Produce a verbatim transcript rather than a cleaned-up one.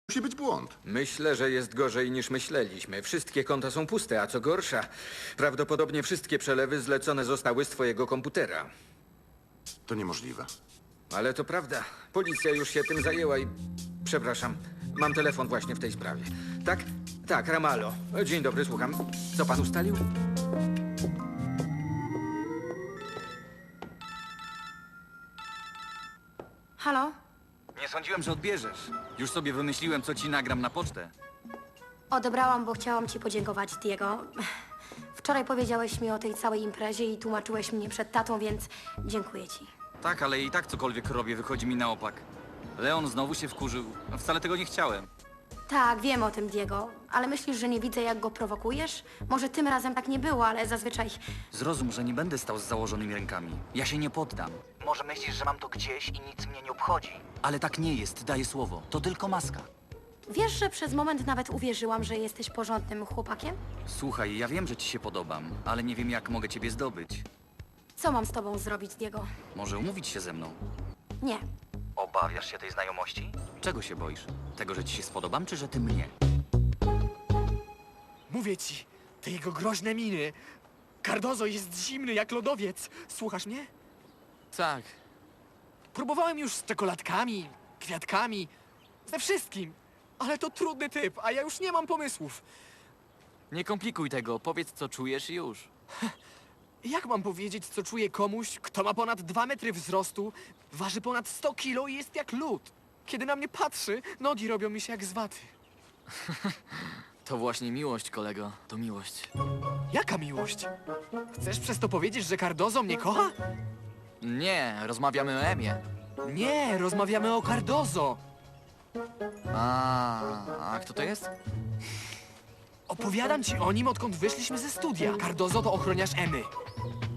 Musi być błąd. Myślę, że jest gorzej niż myśleliśmy. Wszystkie konta są puste, a co gorsza, prawdopodobnie wszystkie przelewy zlecone zostały z twojego komputera. To niemożliwe. Ale to prawda. Policja już się tym zajęła i... Przepraszam, mam telefon właśnie w tej sprawie. Tak? Tak, Ramallo. Dzień dobry, słucham. Co pan ustalił? Halo? Nie sądziłem, że odbierzesz. Już sobie wymyśliłem, co ci nagram na pocztę. Odebrałam, bo chciałam ci podziękować, Diego. Wczoraj powiedziałeś mi o tej całej imprezie i tłumaczyłeś mnie przed tatą, więc dziękuję ci. Tak, ale i tak cokolwiek robię, wychodzi mi na opak. Leon znowu się wkurzył. A wcale tego nie chciałem. Tak, wiem o tym, Diego, ale myślisz, że nie widzę, jak go prowokujesz? Może tym razem tak nie było, ale zazwyczaj... Zrozum, że nie będę stał z założonymi rękami. Ja się nie poddam. Może myślisz, że mam to gdzieś i nic mnie nie obchodzi. Ale tak nie jest, daję słowo. To tylko maska. Wiesz, że przez moment nawet uwierzyłam, że jesteś porządnym chłopakiem? Słuchaj, ja wiem, że ci się podobam, ale nie wiem, jak mogę ciebie zdobyć. Co mam z tobą zrobić, Diego? Może umówić się ze mną? Nie. Obawiasz się tej znajomości? Czego się boisz? Tego, że ci się spodobam, czy że ty mnie? Mówię ci, te jego groźne miny. Cardozo jest zimny jak lodowiec. Słuchasz mnie? Tak. Próbowałem już z czekoladkami, kwiatkami, ze wszystkim. Ale to trudny typ, a ja już nie mam pomysłów. Nie komplikuj tego, powiedz co czujesz i już. Jak mam powiedzieć, co czuje komuś, kto ma ponad dwa metry wzrostu, waży ponad sto kilo i jest jak lód? Kiedy na mnie patrzy, nogi robią mi się jak z waty. To właśnie miłość, kolego. To miłość. Jaka miłość? Chcesz przez to powiedzieć, że Cardozo mnie kocha? Nie, rozmawiamy o Emie. Nie, rozmawiamy o Cardozo. A, a kto to jest? Opowiadam ci o nim, odkąd wyszliśmy ze studia. Cardozo to ochroniarz Emy.